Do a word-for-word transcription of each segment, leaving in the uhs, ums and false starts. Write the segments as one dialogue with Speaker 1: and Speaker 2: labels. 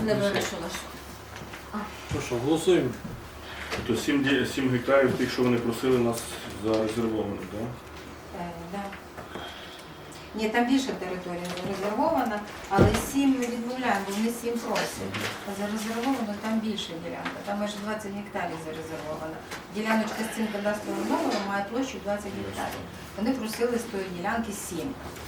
Speaker 1: не вирішила.
Speaker 2: Ну що, голосуємо.
Speaker 3: То сім гектарів тих, що вони просили нас зарезервованих, так?
Speaker 4: Е, да. Ні, там більше територія зарезервована, але сім ми відмовляємо, бо вони сім просять. А зарезервовано там більше ділянка, там майже двадцять гектарів зарезервовано. Діляночка з цим кадастровим номером має площу двадцять гектарів. Вони просили з тої ділянки сім.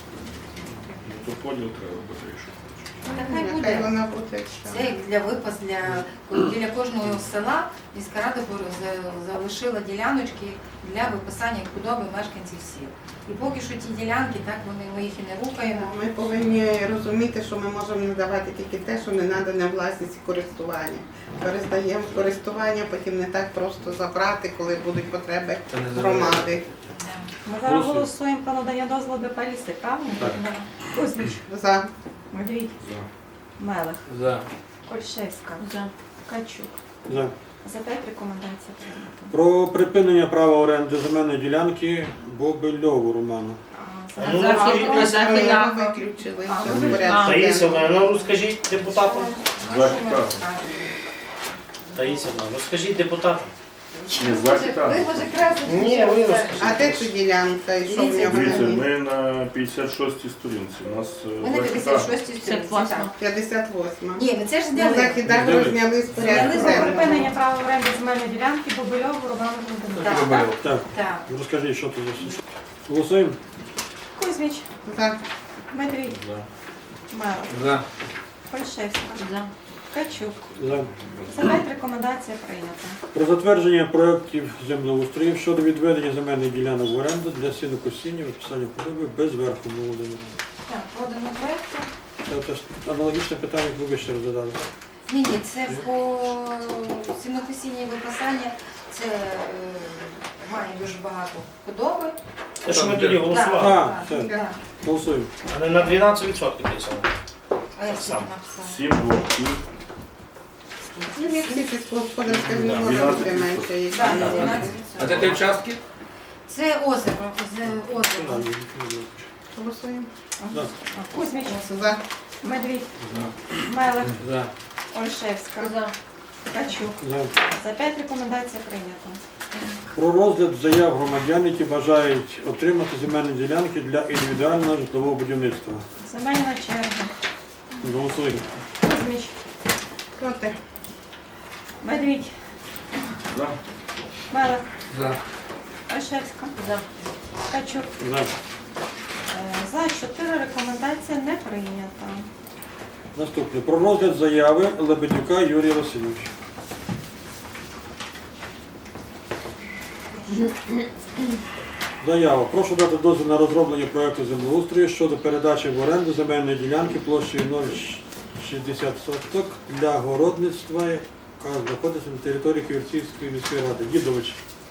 Speaker 3: Ну, то поділ треба буде, якщо хочеш.
Speaker 4: Нехай
Speaker 5: Нехай
Speaker 4: буде.
Speaker 5: вона буде.
Speaker 4: Це як для випас, для біля кожного села міська рада залишила діляночки для виписання худоби мешканців сіл. І поки що ті ділянки, так вони ми їх і не рухаємо.
Speaker 5: Ми повинні розуміти, що ми можемо надавати тільки те, що не надане власність і користування. Перездаємо в користування, потім не так просто забрати, коли будуть потреби громади.
Speaker 6: Ми зараз голосуємо про надання дозволу ДП «Ліси», правильно?
Speaker 2: Так.
Speaker 6: Кузьміч,
Speaker 5: За.
Speaker 6: Медвідь,
Speaker 3: За.
Speaker 6: Мелех,
Speaker 2: За.
Speaker 6: Ольшевська,
Speaker 1: За.
Speaker 6: Качук.
Speaker 2: За.
Speaker 6: За п'ять рекомендацій прийнято.
Speaker 2: Про припинення права оренди земельної ділянки Бобильову Роману.
Speaker 6: А,
Speaker 1: Ну,
Speaker 6: за-
Speaker 1: захід-
Speaker 6: за-
Speaker 5: Ми
Speaker 1: захід-
Speaker 5: його виключили.
Speaker 6: А,
Speaker 5: Це
Speaker 6: ви
Speaker 5: в порядку
Speaker 7: Таїсівна,
Speaker 5: денному.
Speaker 7: ну розкажіть депутатам.
Speaker 3: Два гектари.
Speaker 7: Таїсівна, розкажіть депутатам.
Speaker 3: Ні, два гектари.
Speaker 4: Ви може краще.
Speaker 7: Ні, ви розкажіть.
Speaker 5: А де ця ділянка і що в нього
Speaker 3: Дивіться,
Speaker 5: на ній?
Speaker 3: ми на п'ятдесят шостій сторінці. У нас е,
Speaker 4: Ми на
Speaker 3: два
Speaker 4: п'ятдесят
Speaker 3: гектари.
Speaker 4: шостій
Speaker 1: п'ятдесят
Speaker 4: сторінці.
Speaker 1: восьма.
Speaker 5: п'ятдесят восьма.
Speaker 4: Ні, ми це ж
Speaker 5: Ну,
Speaker 4: зняли.
Speaker 5: західак розняли з порядку
Speaker 4: Зняли.
Speaker 6: Про припинення
Speaker 5: денного.
Speaker 6: права оренди земельної ділянки Бобильову Роману Володимировичу.
Speaker 4: Так,
Speaker 2: Так,
Speaker 4: так.
Speaker 2: розкажіть, що це за... Голосуємо.
Speaker 6: Кузьміч,
Speaker 5: За.
Speaker 6: Медвідь,
Speaker 3: За.
Speaker 6: Мелех,
Speaker 2: За.
Speaker 6: Ольшевська,
Speaker 1: За.
Speaker 6: Качук.
Speaker 2: За.
Speaker 6: За п'ять рекомендацій прийнято.
Speaker 2: Про затвердження проєктів землеустрою щодо відведення земельних ділянок в оренду для сінокосіння, виписання худоби без верху Володимира.
Speaker 4: Так, подано проєкту.
Speaker 2: Це теж аналогічне питання, як ви ще розглядали.
Speaker 4: Ні, ні, це по сінокосіння і випасання, це е, має дуже багато худоби.
Speaker 7: Те, що ми тоді
Speaker 2: А,
Speaker 7: голосували.
Speaker 2: все.
Speaker 4: так.
Speaker 2: Голосуємо.
Speaker 7: А не на дванадцять відсотків писали.
Speaker 4: А я
Speaker 7: Так
Speaker 4: скільки
Speaker 7: само.
Speaker 4: написала?
Speaker 3: Сім двох.
Speaker 5: Ну, як всі сільськогосподарські
Speaker 3: Да,
Speaker 5: вимоги
Speaker 3: дванадцять
Speaker 5: дотримаються. які
Speaker 4: Так,
Speaker 5: є.
Speaker 4: дванадцять
Speaker 8: А це
Speaker 4: відсотків.
Speaker 8: ті участки?
Speaker 4: Це озеро, з озеро.
Speaker 5: Голосуємо.
Speaker 2: За.
Speaker 6: Кузьміч,
Speaker 5: За.
Speaker 6: Медвідь, Мелех,
Speaker 2: За.
Speaker 6: Ольшевська,
Speaker 1: За.
Speaker 6: Качук.
Speaker 2: За.
Speaker 6: За п'ять рекомендацій прийнято.
Speaker 2: Про розгляд заяв громадян, які бажають отримати земельні ділянки для індивідуального житлового будівництва.
Speaker 6: Земельна черга.
Speaker 2: Голосуємо.
Speaker 6: Кузьміч,
Speaker 5: Проти.
Speaker 6: Медвідь,
Speaker 3: За.
Speaker 6: Мелех,
Speaker 8: За.
Speaker 6: Ольшевська,
Speaker 1: За.
Speaker 6: Качук.
Speaker 2: За.
Speaker 6: Е, За чотири рекомендація не прийнята.
Speaker 2: Наступне. Про розгляд заяви Лебедюка Юрія Васильовича. Заява. Прошу дати дозвіл на розроблення проєкту землеустрою щодо передачі в оренду земельної ділянки площею нуль цілих шістдесят соток для городництва, яка знаходиться на території Ківерцівської міської ради. Дідович.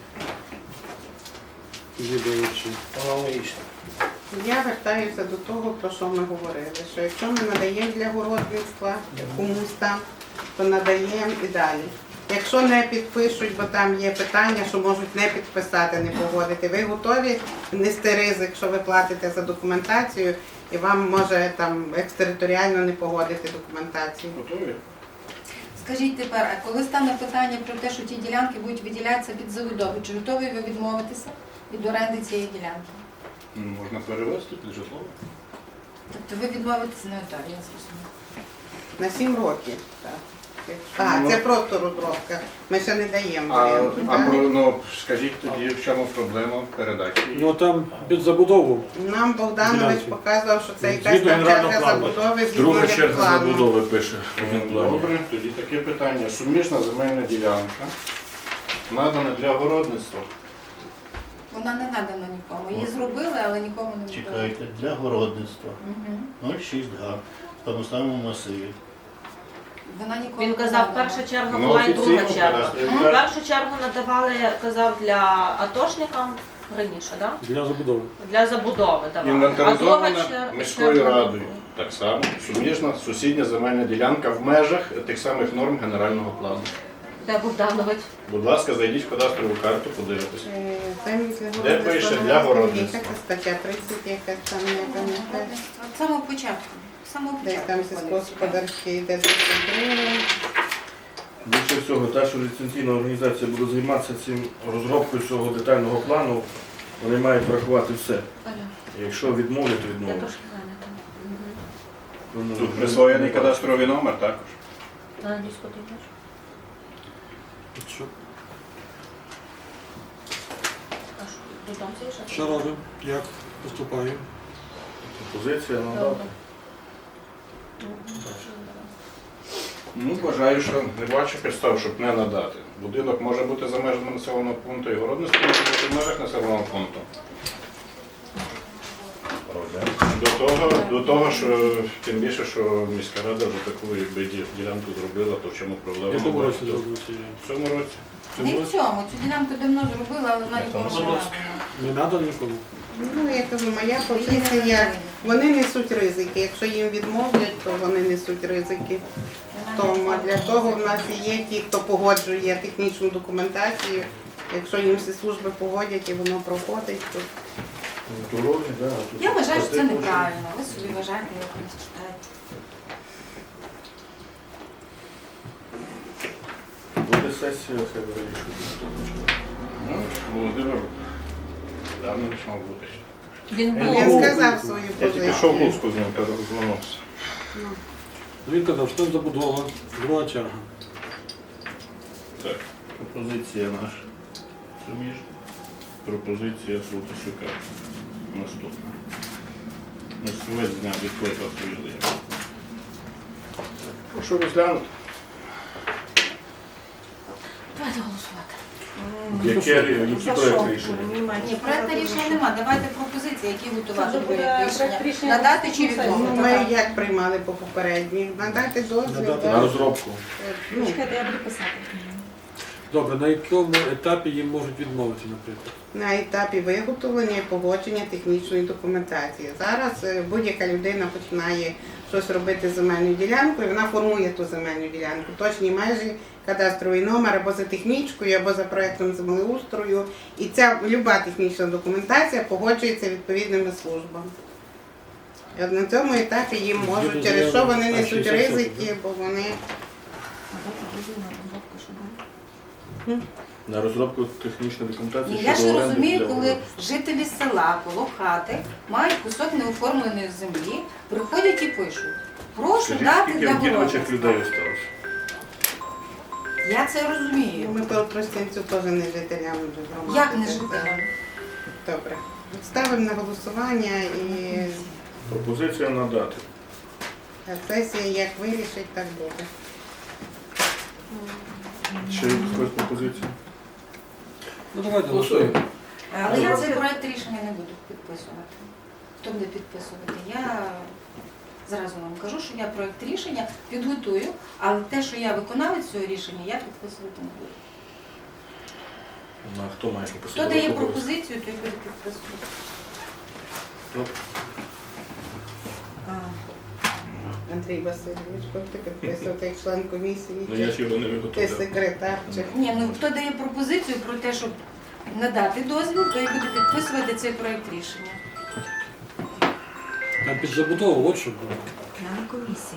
Speaker 2: Дідович.
Speaker 7: Аналогічно.
Speaker 5: Я вертаюся до того, про що ми говорили, що якщо ми надаємо для городництва комусь там, то надаємо і далі. Якщо не підпишуть, бо там є питання, що можуть не підписати, не погодити, ви готові нести ризик, що ви платите за документацію і вам може там екстериторіально не погодити документацію.
Speaker 3: Готові?
Speaker 4: Скажіть тепер, а коли стане питання про те, що ті ділянки будуть виділятися під забудову, чи готові ви відмовитися від оренди цієї ділянки?
Speaker 3: Можна перевести під житло.
Speaker 4: Тобто ви відмовитеся не готові, я зрозуміла.
Speaker 5: На сім років. Так. А, це просто розробка. Ми ще не даємо.
Speaker 9: А,
Speaker 5: варіанту,
Speaker 9: а
Speaker 5: так?
Speaker 9: про- ну, скажіть тоді, в чому проблема передачі?
Speaker 2: Ну там під забудову.
Speaker 5: Нам Богданович
Speaker 2: Ділянки.
Speaker 5: показував, що це якась
Speaker 2: Згідно
Speaker 5: там
Speaker 2: генерального
Speaker 5: черга
Speaker 2: плану.
Speaker 5: забудови згідно
Speaker 3: Друга черга
Speaker 5: генплану.
Speaker 3: забудови пише в генплані.
Speaker 9: Добре, тоді таке питання. Суміжна земельна ділянка надана для городництва.
Speaker 4: Вона не надана нікому. Її зробили, але нікому не надали.
Speaker 10: Чекайте, для городництва
Speaker 4: Мгм.
Speaker 10: нуль цілих шість га в тому самому масиві.
Speaker 4: Вона нікому
Speaker 1: Він
Speaker 4: не
Speaker 1: казав,
Speaker 4: надана.
Speaker 1: перша черга
Speaker 9: Ну,
Speaker 1: була і друга
Speaker 9: офіційно
Speaker 1: черга.
Speaker 9: кадастровий
Speaker 1: Першу чергу надавали, казав, для атошникам раніше, да?
Speaker 2: Для забудови.
Speaker 1: Для забудови давали. А друга
Speaker 9: Інвентаризована
Speaker 1: чер-
Speaker 9: міською
Speaker 1: черга
Speaker 9: радою.
Speaker 1: була.
Speaker 9: Так само. Суміжна сусідня земельна ділянка в межах тих самих норм генерального плану.
Speaker 1: Де Богданович?
Speaker 9: Будь ласка, зайдіть в кадастрову карту, подивитися.
Speaker 5: Е, Землі для
Speaker 9: Де
Speaker 5: городництва
Speaker 9: пише
Speaker 5: не
Speaker 9: для
Speaker 5: названі.
Speaker 9: городництва?
Speaker 5: Яка це стаття тридцять, якась там, я пам'ятаю.
Speaker 4: З самого початку. самого
Speaker 5: Десь
Speaker 4: початку.
Speaker 5: там
Speaker 4: входить сюди.
Speaker 5: сільськогосподарський йде десять гривень.
Speaker 3: Більше всього, те, що ліцензійна організація буде займатися цим розробкою цього детального плану, вони мають врахувати все. Якщо відмовлять, то
Speaker 1: Я
Speaker 3: відмовлять.
Speaker 1: трошки зайнята.
Speaker 3: Тому
Speaker 9: Тут присвоєний кадастровий номер також.
Speaker 1: На англійську ти йдеш?
Speaker 2: Що,
Speaker 1: А що, додому сидиш?
Speaker 2: що робимо? Як поступаємо?
Speaker 3: пропозиція
Speaker 1: Добре.
Speaker 3: надати.
Speaker 9: Ну, вважаю, що не бачу підстав, щоб не надати. Будинок може бути за межами населеного пункту, і городництво може бути в межах населеного пункту. До того, до того, що тим більше, що міська рада вже таку якби, ді- ділянку зробила, то в чому
Speaker 2: В
Speaker 9: проблема?
Speaker 2: якому
Speaker 9: не
Speaker 2: році
Speaker 9: бачу.
Speaker 2: зробили ці?
Speaker 9: В цьому році.
Speaker 4: Не в цьому, цю ділянку давно зробила, але вона нікому не надана.
Speaker 2: Не треба нікому?
Speaker 5: Ну, я кажу, моя позиція, вони несуть ризики. Якщо їм відмовлять, то вони несуть ризики. Тому а для того в нас і є ті, хто погоджує технічну документацію. Якщо їм всі служби погодять і воно проходить, то
Speaker 3: Дороги, да, а тут
Speaker 4: Я вважаю, що це
Speaker 3: платити
Speaker 4: неправильно. Ви собі вважаєте, як ви читаєте.
Speaker 3: дуже. Буде сесія, хай вирішують.
Speaker 9: Ну, Володимир давно не мав бути.
Speaker 1: Він
Speaker 5: він
Speaker 1: був.
Speaker 5: сказав свою
Speaker 9: Я тільки що в
Speaker 5: позицію.
Speaker 9: Луцьку з ним розмовився.
Speaker 2: Ну, він казав, що там забудова, друга черга.
Speaker 9: Так, пропозиція наша. Суміж. Пропозиція Солтисюка. Наступна. Московець зняв відкликав свою заяву. Прошу розглянути.
Speaker 1: Давайте голосувати.
Speaker 3: Яке, які проєкти рішення?
Speaker 4: Ні, проекту рішення нема. Давайте пропозиції, які готувати
Speaker 6: Це буде
Speaker 4: проєкт
Speaker 6: проект
Speaker 4: рішення.
Speaker 6: рішення
Speaker 4: Надати чи
Speaker 6: наступної
Speaker 5: Ну,
Speaker 4: відмовити.
Speaker 5: ми як приймали по попередній? Надати дозвіл.
Speaker 2: Надати
Speaker 3: На
Speaker 5: так?
Speaker 3: розробку.
Speaker 5: Ну,
Speaker 6: Чекайте, я буду писати.
Speaker 2: Добре, на якому етапі їм можуть відмовити, наприклад?
Speaker 5: на етапі виготовлення і погодження технічної документації. Зараз е, будь-яка людина починає щось робити з земельною ділянкою, вона формує ту земельну ділянку. Точні межі, кадастровий номер або за технічкою, або за проектом землеустрою. І ця люба технічна документація погоджується відповідними службами. І от на цьому етапі їм можуть, через що вони несуть ризики, бо вони
Speaker 3: На розробку технічної документації.
Speaker 4: Ні, я
Speaker 3: щодо
Speaker 4: ж
Speaker 3: оренди
Speaker 4: розумію,
Speaker 3: для
Speaker 4: коли
Speaker 3: городництва.
Speaker 4: жителі села коло хати мають кусок неоформленої землі, приходять і пишуть. Прошу
Speaker 3: Скажіть,
Speaker 4: дати
Speaker 3: скільки
Speaker 4: для
Speaker 3: в Дідовичах людей
Speaker 4: городництва.
Speaker 3: осталось?
Speaker 4: Я це розумію.
Speaker 5: ми по Тростянцю теж не жителям вже громади.
Speaker 4: Як не жителям?
Speaker 5: Добре. Ставимо на голосування і
Speaker 3: Пропозиція надати.
Speaker 5: сесія як вирішить, так буде.
Speaker 3: Ще якась пропозиція?
Speaker 2: Ну давайте голосуємо.
Speaker 4: Але я цей проект рішення не буду підписувати. Хто буде підписувати? Я зразу вам кажу, що я проект рішення підготую, але те, що я виконавець цього рішення, я підписувати не буду.
Speaker 3: На хто має
Speaker 4: Хто
Speaker 3: пропозицію?
Speaker 4: дає пропозицію, той буде підписувати.
Speaker 3: Ну,
Speaker 5: Андрій Васильович, будете підписувати як член комісії,
Speaker 3: ну я ж
Speaker 5: чи
Speaker 3: його не
Speaker 5: ти
Speaker 3: виготовляв.
Speaker 5: секретар, чи
Speaker 4: Ні, ну хто дає пропозицію про те, щоб надати дозвіл, той буде підписувати цей проект рішення.
Speaker 2: Там під забудову, от що було.
Speaker 6: На комісії.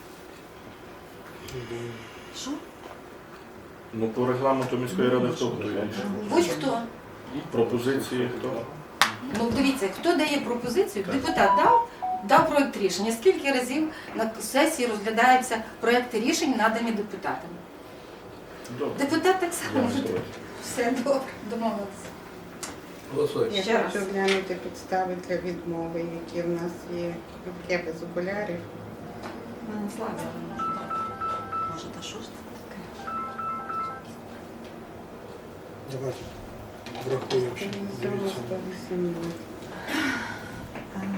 Speaker 6: Що?
Speaker 3: Ну по регламенту міської ради хто буде рішення?
Speaker 4: Будь-хто.
Speaker 3: Пропозиції хто?
Speaker 4: Ну дивіться, хто дає пропозицію, депутат дав, дав проект рішення. Скільки разів на сесії розглядаються проекти рішень, надані депутатами?
Speaker 3: Добре.
Speaker 4: Депутат так
Speaker 3: Я
Speaker 4: само може.
Speaker 3: голосую.
Speaker 4: Все добре, домовилися.
Speaker 2: Голосуємо.
Speaker 5: я
Speaker 6: Ще
Speaker 5: хочу
Speaker 6: раз.
Speaker 5: глянути підстави для відмови, які в нас є. Я без окулярів.
Speaker 6: У мене слава. Може, та що ж це таке?
Speaker 2: Давайте врахуємо ще. Дивіться.
Speaker 5: сто вісімнадцять.
Speaker 6: Ага.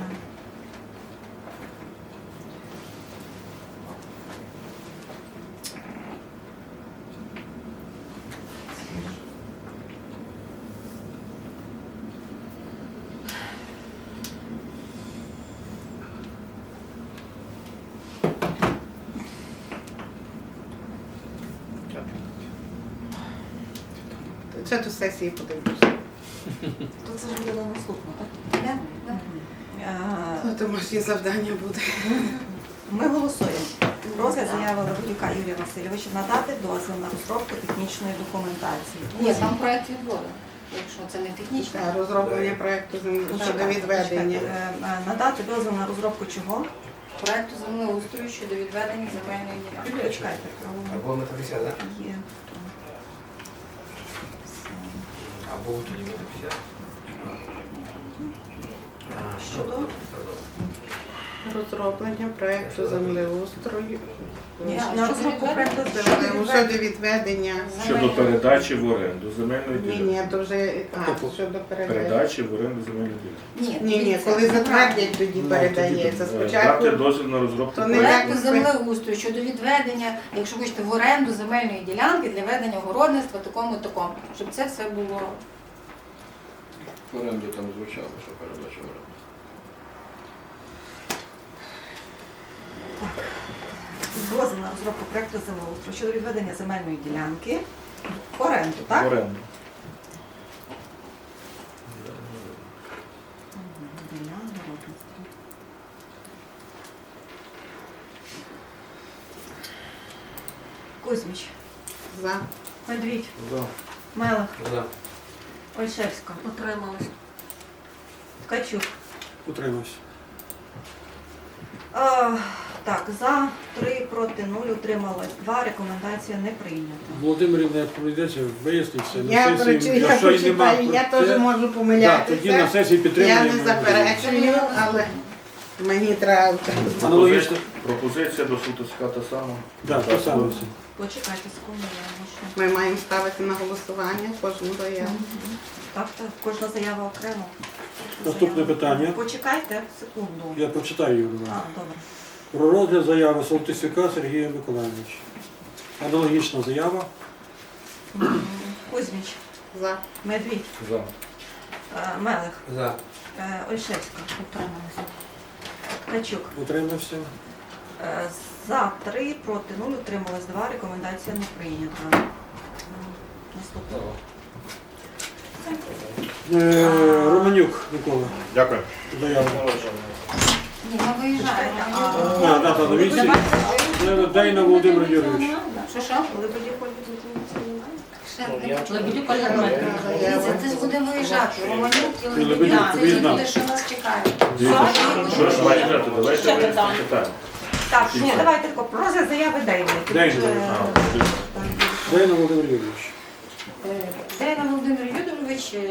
Speaker 5: Це до сесії подивлюся.
Speaker 6: То це ж буде на наступну, так?
Speaker 4: Да? Да.
Speaker 6: А,
Speaker 5: Ну, домашнє завдання буде.
Speaker 6: Ми голосуємо. Розгляд заяви Лебедюка Юрія Васильовича надати дозвіл на розробку технічної документації.
Speaker 4: Ні, там проект відводу. Якщо це не технічно.
Speaker 5: Та, розроблення проєкту землі щодо відведення.
Speaker 6: Е, е, Надати дозвіл на розробку чого?
Speaker 4: Проекту землеустрою щодо відведення земельної ділянки.
Speaker 6: Почекайте.
Speaker 8: Або метафізія, так?
Speaker 6: Є.
Speaker 8: Або тоді метафізія.
Speaker 6: Щодо?
Speaker 5: Розроблення проєкту землеустрою.
Speaker 6: Ні,
Speaker 4: Так,
Speaker 6: на
Speaker 4: щодо
Speaker 6: розробку
Speaker 4: відведення-
Speaker 6: проекту
Speaker 4: щодо
Speaker 6: землі.
Speaker 5: Е, Щодо відведення.
Speaker 3: Щодо передачі в оренду земельної
Speaker 5: Ні,
Speaker 3: ділянки.
Speaker 5: ні, то вже а, щодо передачі.
Speaker 3: Передачі в оренду земельної ділянки.
Speaker 4: Ні,
Speaker 5: Ні, ні,
Speaker 4: дивіться,
Speaker 5: коли
Speaker 4: неправильно.
Speaker 5: затвердять, тоді
Speaker 3: Ну,
Speaker 5: передається.
Speaker 3: тоді, е,
Speaker 5: Спочатку
Speaker 3: Дати дозвіл на розробку
Speaker 5: То не
Speaker 3: проекту.
Speaker 4: Проекту землеустрою щодо відведення, якщо хочете, в оренду земельної ділянки для ведення городництва такому такому, щоб це все було.
Speaker 9: В оренду там звучало, що передача в оренду.
Speaker 6: Дозвіл на розробку проекту землеустрою щодо відведення земельної ділянки в оренду, так?
Speaker 3: В оренду.
Speaker 6: Для городництва. Кузьміч,
Speaker 5: за.
Speaker 6: Медвідь,
Speaker 3: За.
Speaker 6: Мелих,
Speaker 8: За.
Speaker 6: Ольшевська,
Speaker 1: Утрималась.
Speaker 6: Ткачук.
Speaker 2: Утримався.
Speaker 6: А, так, за, три, проти, нуль, утрималось два, рекомендація не прийнята.
Speaker 2: Володимирівна, як прийдеться, виясниться на
Speaker 5: Я,
Speaker 2: сесії,
Speaker 5: прочу- я
Speaker 2: якщо й нема
Speaker 5: прочитаю, я
Speaker 2: про
Speaker 5: теж
Speaker 2: це,
Speaker 5: можу
Speaker 2: да, тоді на
Speaker 5: помилятися.
Speaker 2: сесії
Speaker 5: Я
Speaker 2: підтримуємо.
Speaker 5: не заперечую, але мені треба.
Speaker 2: Аналогічно.
Speaker 3: Пропозиція до Сутовська та сама.
Speaker 2: Так, те саме все.
Speaker 6: Почекайте секунду, я можу.
Speaker 5: Ми маємо ставити на голосування кожну заяву.
Speaker 6: Так, так, кожна заява окремо.
Speaker 2: Наступне
Speaker 6: Заява.
Speaker 2: питання.
Speaker 6: Почекайте секунду.
Speaker 2: Я прочитаю його.
Speaker 6: А, добре.
Speaker 2: Про розгляд заяви Солтисюка Сергія Миколаївича. Аналогічна заява.
Speaker 6: М, Кузьміч,
Speaker 5: За.
Speaker 6: Медвідь,
Speaker 3: За.
Speaker 6: е, Мелих,
Speaker 8: За.
Speaker 6: е, Ольшевська. Утрималася. Ткачук.
Speaker 2: Утримався.
Speaker 6: Е, За три, проти нуль, утрималось два, рекомендація не прийнята. М, Наступне.
Speaker 2: Е, Романюк Микола.
Speaker 9: Дякую.
Speaker 2: Заява.
Speaker 4: Ні, ми виїжджаємо.
Speaker 6: А,
Speaker 2: А, дата на місці. Е, Дейна Володимир Юрійович.
Speaker 4: Що що?
Speaker 1: Лебедюк Ольга Дмитрівна.
Speaker 4: Дивіться, це будемо виїжджати. Романюк і
Speaker 2: Лебедюк,
Speaker 4: Лебедюк, це вже
Speaker 2: виїзна.
Speaker 4: буде, що нас чекає.
Speaker 3: Дивіться, Що ж має дати? Давайте
Speaker 1: Ще
Speaker 3: вияснимо
Speaker 1: питання.
Speaker 3: питання.
Speaker 6: Так, ні, давайте тако, про розгляд заяви Дейни.
Speaker 2: Дейни.
Speaker 6: Е,
Speaker 2: Дейна Володимир Юрійович.
Speaker 4: Дейна Володимир Юдорович е,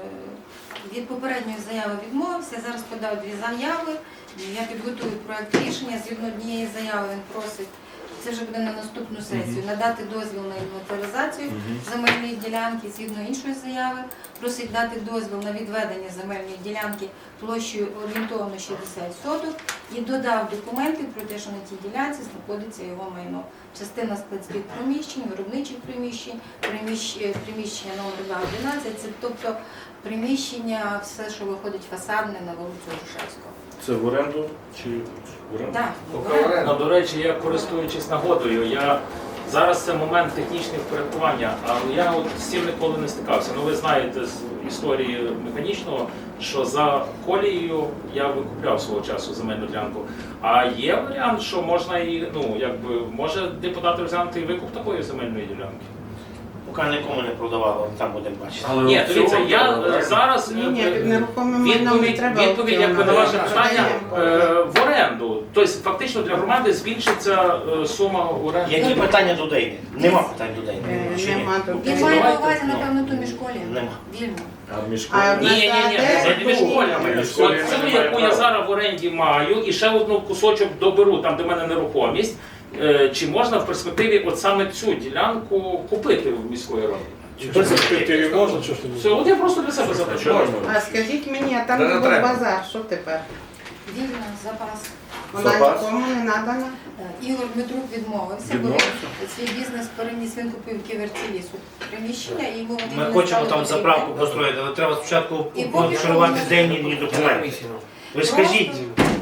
Speaker 4: від попередньої заяви відмовився. Зараз подав дві заяви. Я підготую проект рішення. Згідно однієї заяви він просить, це вже буде на наступну сесію, надати дозвіл на інвентаризацію земельної ділянки. Згідно іншої заяви просить дати дозвіл на відведення земельної ділянки площею орієнтовно шістдесят соток і додав документи про те, що на тій ділянці знаходиться його майно. Частина складських приміщень, виробничих приміщень, приміщ- приміщення номер два одинадцять, це тобто приміщення, все, що виходить фасадне на вулицю Грушевського.
Speaker 3: Це в оренду чи в оренду?
Speaker 4: Так,
Speaker 7: Ну, до речі, я користуючись нагодою, я зараз це момент технічного впорядкування, але я от з цим ніколи не стикався. Ну ви знаєте з історії механічного, що за колією я викупляв свого часу земельну ділянку. А є варіант, що можна і ну якби може депутат розглянути і викуп такої земельної ділянки. Поки нікому не продавало, там будемо бачити. Ні, дивіться, я е, зараз е,
Speaker 5: Ні, ні, під нерухомим майном не
Speaker 7: відповідь,
Speaker 5: треба.
Speaker 7: відповідь якби на ваше
Speaker 5: аукціону.
Speaker 7: питання е, в оренду. Тобто фактично для громади збільшиться е, сума оренди.
Speaker 11: Які питання до Дейни? Нема питань до Дейни.
Speaker 5: Е,
Speaker 11: Чи ні?
Speaker 5: Нема тут.
Speaker 4: він має на
Speaker 7: Давайте,
Speaker 4: увазі,
Speaker 7: ну.
Speaker 4: напевно, ту міжколі.
Speaker 11: Нема.
Speaker 4: Вільно.
Speaker 3: А між
Speaker 5: А
Speaker 7: Ні, ні, ні,
Speaker 5: Де
Speaker 7: не між
Speaker 5: тут?
Speaker 7: полями.
Speaker 3: Між полями
Speaker 7: От цю,
Speaker 3: немає
Speaker 7: яку я
Speaker 3: права.
Speaker 7: зараз в оренді маю, і ще одну кусочок доберу, там де в мене нерухомість. Е, Чи можна в перспективі от саме цю ділянку купити в міської ради?
Speaker 2: Чи в перспективі можна, що ж ти не
Speaker 7: Все, от я просто для себе запитаю.
Speaker 5: А скажіть мені, а там
Speaker 8: Та не
Speaker 5: був
Speaker 8: треба.
Speaker 5: базар, що тепер?
Speaker 4: Вільно, запас.
Speaker 5: Вона
Speaker 3: Запас?
Speaker 5: нікому не надана?
Speaker 4: Так, Ігор Дмитрук відмовився, бо
Speaker 3: Відмовився?
Speaker 4: він свій бізнес переніс, він купив в Ківерці лісу приміщення і його
Speaker 11: Ми хочемо там заправку построїти, але треба спочатку
Speaker 4: І поки
Speaker 11: контролювати
Speaker 4: що
Speaker 11: Дейні документи. Ви скажіть,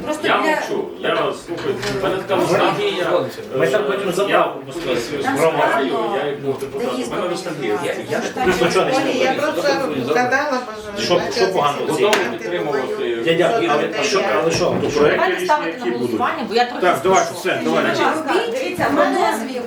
Speaker 4: Просто
Speaker 7: Я
Speaker 4: для...
Speaker 7: мовчу, я слухаю, в мене така ностальгія.
Speaker 11: Ми там потім
Speaker 7: Я
Speaker 11: заправку
Speaker 7: комісію з
Speaker 4: Там
Speaker 7: громадою,
Speaker 4: складно.
Speaker 7: я як був депутат, в мене ностальгія.
Speaker 11: Я- я ж
Speaker 4: Там
Speaker 11: тобі
Speaker 4: же
Speaker 11: нічого не
Speaker 4: школі
Speaker 5: Ні,
Speaker 4: є.
Speaker 5: я просто згадала, бо
Speaker 11: Що- що поганого?
Speaker 7: Готові підтримувати.
Speaker 11: Я дякую, але а що, але що?
Speaker 3: То
Speaker 11: То
Speaker 3: проекти
Speaker 1: Давайте
Speaker 3: рішення,
Speaker 1: ставити
Speaker 3: які
Speaker 1: на
Speaker 3: будуть.
Speaker 1: голосування, бо я трохи
Speaker 2: Так, давайте,
Speaker 1: спішу.
Speaker 2: все, давайте.
Speaker 4: Робіть,
Speaker 1: Дивіться, в
Speaker 4: на
Speaker 1: мене
Speaker 4: дозвіл.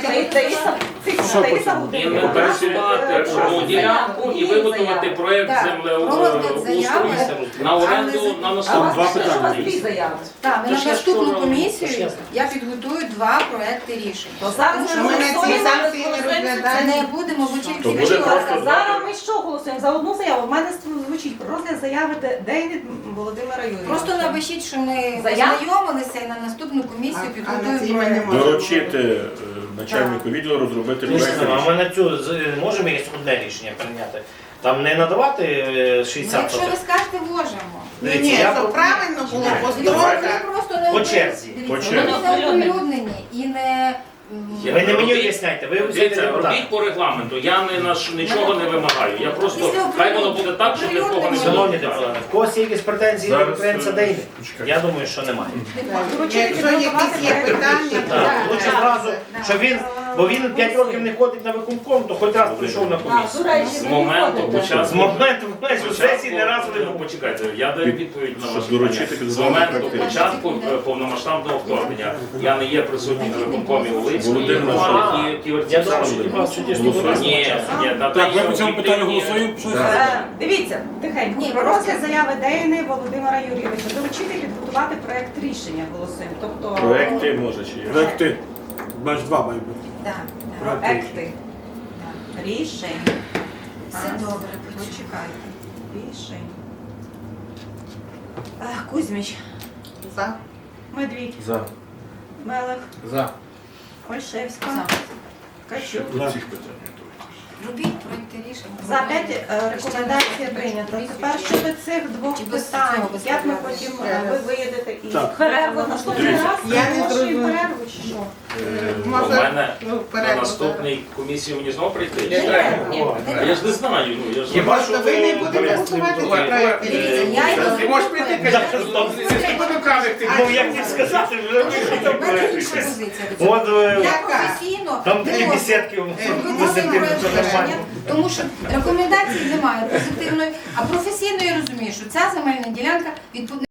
Speaker 7: І не пересувати одну ділянку і виготовити проєкт
Speaker 4: Так. Розгляд заяви.
Speaker 7: землеустрою на оренду на
Speaker 2: Там
Speaker 7: наступний.
Speaker 2: два питання.
Speaker 4: Так, ми
Speaker 7: Тож
Speaker 4: на
Speaker 7: я
Speaker 4: наступну
Speaker 7: вчора-
Speaker 4: комісію
Speaker 11: Тож ясно.
Speaker 4: я підготую два проекти рішень.
Speaker 1: То зараз
Speaker 4: Тому
Speaker 1: ми
Speaker 4: що
Speaker 5: ми на ці
Speaker 1: голосуємо,
Speaker 5: санкції не
Speaker 1: ми
Speaker 4: Це
Speaker 5: розглядаємо.
Speaker 4: не будемо, бо
Speaker 3: То
Speaker 4: тільки
Speaker 3: буде
Speaker 4: вчора.
Speaker 3: просто
Speaker 6: Зараз ми що голосуємо? За одну заяву. У мене звучить про розгляд заяви Дейвід Володимира Юрійовича.
Speaker 4: Просто напишіть, що ми
Speaker 6: Заяв?
Speaker 4: ознайомилися і на наступну комісію
Speaker 5: А- а на
Speaker 4: підготуємо
Speaker 5: цій ми не
Speaker 4: проект.
Speaker 5: можемо.
Speaker 3: Доручити е, начальнику відділу розробити проект
Speaker 11: А
Speaker 3: рішення.
Speaker 11: ми на цю з- можемо якесь одне рішення прийняти? Там не надавати е,
Speaker 4: Ну,
Speaker 11: шістдесят
Speaker 4: якщо ви
Speaker 11: сотих?
Speaker 4: скажете, можемо.
Speaker 5: Ні, ні,
Speaker 11: Дивіться, я
Speaker 5: щоб правильно було по
Speaker 4: Дивіться,
Speaker 5: строках.
Speaker 4: вони просто не
Speaker 11: По
Speaker 4: опри-
Speaker 11: черзі.
Speaker 4: дивіться,
Speaker 3: По черзі.
Speaker 4: вони не оприлюднені і не... м,
Speaker 7: Я-
Speaker 11: Ви не мені
Speaker 7: Робіть-
Speaker 11: об'ясняйте, ви
Speaker 7: Дивіться,
Speaker 11: взяєте
Speaker 7: робіть
Speaker 11: депутата.
Speaker 7: по регламенту, я не на ш- нічого не вимагаю. Я просто,
Speaker 4: Після
Speaker 7: хай воно буде так, щоб нікого не
Speaker 4: оприлюднення.
Speaker 11: Шановні
Speaker 7: було.
Speaker 11: депутати, в когось є якісь претензії до
Speaker 3: Зараз,
Speaker 11: конкуренція
Speaker 3: е,
Speaker 11: Дейві?
Speaker 3: почекайте.
Speaker 11: Я думаю, що немає.
Speaker 6: Доручити
Speaker 5: Якщо
Speaker 6: підготувати
Speaker 5: якісь є
Speaker 6: проект
Speaker 5: питання,
Speaker 6: рішення.
Speaker 5: то
Speaker 11: Так,
Speaker 5: так,
Speaker 11: лучше
Speaker 5: так,
Speaker 11: зразу,
Speaker 5: так.
Speaker 11: що він, бо він п'ять років не ходить на виконком, то хоч раз прийшов на комісію.
Speaker 7: З моменту
Speaker 11: З
Speaker 7: початку.
Speaker 11: моменту в сесії не разу не
Speaker 7: Ну,
Speaker 11: був.
Speaker 7: почекайте, я даю відповідь на
Speaker 3: Щоб
Speaker 7: ваше
Speaker 3: доручити
Speaker 7: питання. З
Speaker 3: підготовити
Speaker 7: моменту
Speaker 3: проект
Speaker 7: початку е, повномасштабного вторгнення я не є присутній на виконкомі у Липській,
Speaker 3: Володимир
Speaker 7: і
Speaker 11: Іванович,
Speaker 7: Ківерці
Speaker 11: Я думаю, що
Speaker 7: Саші.
Speaker 11: вас чудесно
Speaker 3: Голосуємо.
Speaker 11: доросла.
Speaker 7: Ні, ні, на
Speaker 2: Так,
Speaker 7: те,
Speaker 2: ми по цьому
Speaker 7: що
Speaker 2: питанню
Speaker 7: об'єктивні-
Speaker 2: голосуємо. Щось?
Speaker 6: Е, Дивіться, тихенько.
Speaker 4: Ні,
Speaker 6: Про
Speaker 4: просто-
Speaker 6: розгляд заяви Дейни Володимира Юрійовича. Доручити підготувати проект рішення голосуємо. Тобто
Speaker 3: Проекти може чи є?
Speaker 2: Проекти. Значить, два мають бути.
Speaker 4: Так, так,
Speaker 6: проекти
Speaker 4: так.
Speaker 6: рішень.
Speaker 4: Все
Speaker 6: Раз.
Speaker 4: добре,
Speaker 6: Почекайте. Рішень. Ех, Кузьміч,
Speaker 5: За.
Speaker 6: Медвідь,
Speaker 3: За.
Speaker 6: Мелех,
Speaker 8: За.
Speaker 6: Ольшевська,
Speaker 4: За.
Speaker 6: Качук.
Speaker 3: До цих питань.
Speaker 4: Робіть проекти рішень.
Speaker 6: За п'ять е, рекомендація прийнята. Тепер щодо цих двох
Speaker 4: Чи без
Speaker 6: питань,
Speaker 4: цього, без
Speaker 6: як ми
Speaker 4: перерви?
Speaker 6: потім е, ви виїдете і
Speaker 2: Так.
Speaker 6: перерву наступний
Speaker 3: Дивіться.
Speaker 6: раз
Speaker 5: Я не
Speaker 6: оголошуємо
Speaker 5: зрозуміла.
Speaker 6: перерву чи що?
Speaker 3: Е,
Speaker 7: У
Speaker 5: Може,
Speaker 7: мене
Speaker 5: ну,
Speaker 7: на
Speaker 5: перерву
Speaker 7: наступній комісії мені знову прийти?
Speaker 8: Не треба.
Speaker 7: А я ж не знаю, ну я ж
Speaker 3: Хіба
Speaker 5: Просто ви не будете
Speaker 3: Борис,
Speaker 5: голосувати ці
Speaker 3: Давай,
Speaker 5: проекти.
Speaker 4: Дивіться, я йду.
Speaker 8: Ти можеш прийти, кажеш, що ти потім кажеш, ти
Speaker 11: Ну, як не сказати, вже
Speaker 4: У
Speaker 11: вийшов там
Speaker 4: мене
Speaker 11: проект
Speaker 4: інша
Speaker 11: рішення.
Speaker 4: позиція до цього.
Speaker 11: От е,
Speaker 4: Я професійно
Speaker 11: там такі
Speaker 4: можу
Speaker 11: бесідки в
Speaker 4: підготувати
Speaker 11: позитивні,
Speaker 4: проект
Speaker 11: це
Speaker 4: рішення,
Speaker 11: нормально.
Speaker 4: тому що рекомендації немає позитивної, а професійно я розумію, що ця земельна ділянка відповідає